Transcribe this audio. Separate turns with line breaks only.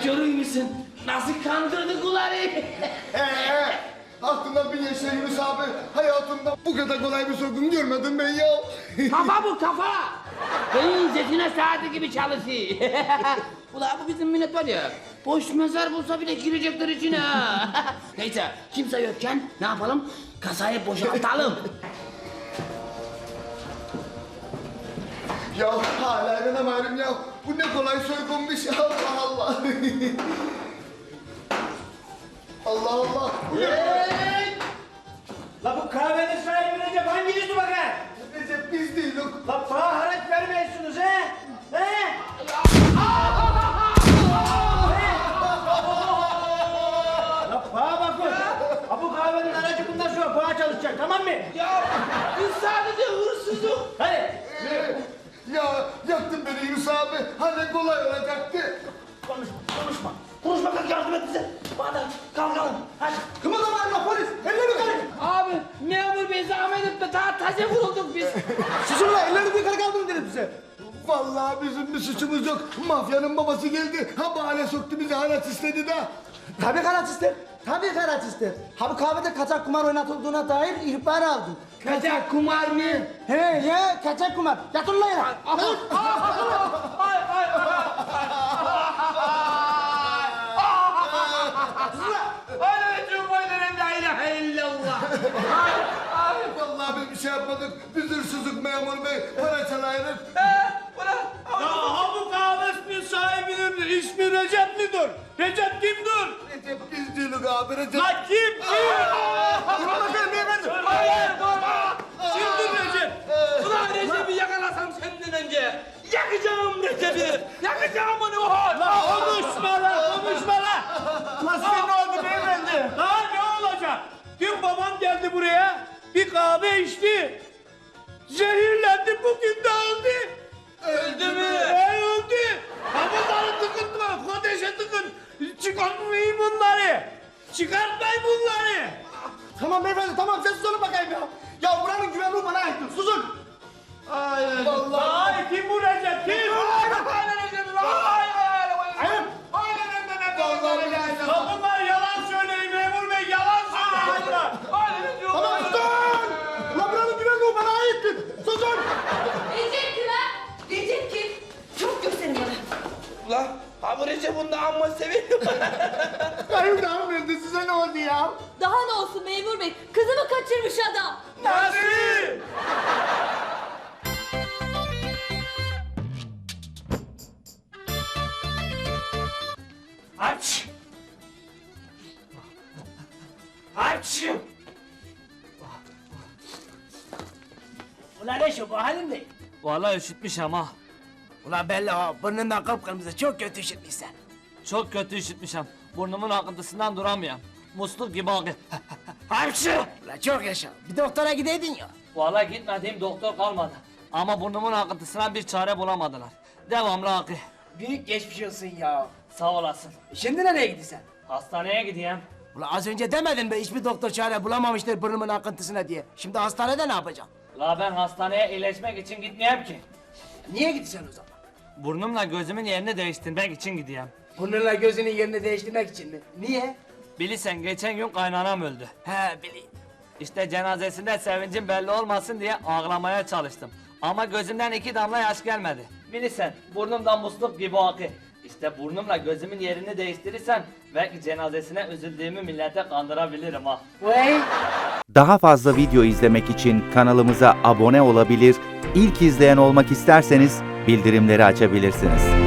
görüyor musun? Nasıl kandırdık uları?
Aklından bin yaşa Yunus abi. Hayatımda bu kadar kolay bir soygun görmedim ben ya.
Kafa bu kafa. Beyin zetine saati gibi çalışıyor. Ulan bu bizim millet var ya. Boş mezar bulsa bile girecekler içine. Neyse kimse yokken ne yapalım? Kasayı boşaltalım.
Ya hala inanamıyorum ya. Bu ne kolay soygunmuş. Allah Allah. Allah Allah. Bu ne?
La bu kahvenin sahibi Recep hanginiz bakar?
Recep biz değiliz.
La bana haraç vermiyorsunuz he? He? La bana bakın. Ha bu kahvenin aracı bundan sonra bana çalışacak tamam mı?
Ya biz sadece hırsızlık.
Hadi.
Ya yaktın beni Yunus abi. Hani kolay olacaktı.
Konuşma. Konuşma kalk yardım et bize. Bana kalkalım. Hadi. Kımıldamayın la polis. Elleri yukarı.
Abi memur bey zahmet etme daha taze vurulduk biz.
Susun la elleri yukarı kaldırın dedim size.
Vallahi bizim bir suçumuz yok. Mafyanın babası geldi. Ha bahane soktu bizi haraç istedi de.
Tabii karaç ister. Tabii karaç ister. Ha bu kahvede kaçak kumar oynatıldığına dair ihbar aldım.
Kaçak kumar mı?
He ya kaçak kumar. Yatın la yere.
Vallahi biz bir şey yapmadık. Biz hırsızlık memur bey. Para çalayırız.
Ya ha bu kahvesinin sahibinin ismi Recep midir? Recep kimdir?
Recep biz değiliz abi Recep.
La kim?
Durun bakalım beyefendi.
Hayır durma.
Kimdir Recep?
Ulan Recep'i yakalasam senden önce. Yakacağım Recep'i. Yakacağım onu.
La konuşma la konuşma la.
Lan size ne oldu beyefendi?
Daha ne olacak? Dün babam geldi buraya. Bir kahve içti. Zehirlendi bugün de öldü.
Öldü mü?
Öldü. Ha bunları tıkıtma. Kodeşe tıkın. Çıkartmayın bunları. Çıkartmayın bunları.
Tamam beyefendi tamam sessiz olun bakayım ya. Ya buranın güvenliği bana aittir. Susun.
Hayır.
Ay kim bu Recep? Kim?
Aynen Recep.
Ayıp.
Ya bunlar yalan söyleyin memur bey yalan söyleyin bunlar.
Tamam susun. La buranın güvenliği bana aittir. Susun.
Recep kim ha? Recep kim? Çok gösterin bana.
Ulan ha bu Recep bunu da amma seviyor.
Benim de hanımefendi size ne oldu ya?
Daha ne olsun memur bey? Kızımı kaçırmış adam.
Nasıl? Aç. Aç.
Ulan ne şu bu halin ne?
Vallahi üşütmüş ama.
Ulan belli ha burnundan kıpkırmızı çok kötü üşütmüşsen.
Çok kötü üşütmüşüm. Burnumun akıntısından duramıyorum. Musluk gibi akıyor. Hapşı!
Ulan çok yaşa. Bir doktora gideydin ya.
Vallahi gitmediğim doktor kalmadı. Ama burnumun akıntısına bir çare bulamadılar. Devamlı akıyor.
Büyük geçmiş olsun ya.
Sağ olasın.
Şimdi nereye gidiyorsun?
Hastaneye gideyim.
Ulan az önce demedin be hiçbir doktor çare bulamamıştır burnumun akıntısına diye. Şimdi hastanede ne yapacaksın?
La ben hastaneye iyileşmek için gitmeyeyim ki.
Niye gidiyorsun o zaman?
Burnumla gözümün yerini değiştirmek için gideyim.
Burnunla gözünün yerini değiştirmek için mi? Niye?
Bilirsen geçen gün kaynanam öldü.
He bileyim.
İşte cenazesinde sevincim belli olmasın diye ağlamaya çalıştım. Ama gözümden 2 damla yaş gelmedi. Bilirsen burnumdan musluk gibi akı. İşte burnumla gözümün yerini değiştirirsem belki cenazesine üzüldüğümü millete kandırabilirim ha.
Vay.
Daha fazla video izlemek için kanalımıza abone olabilir, ilk izleyen olmak isterseniz bildirimleri açabilirsiniz.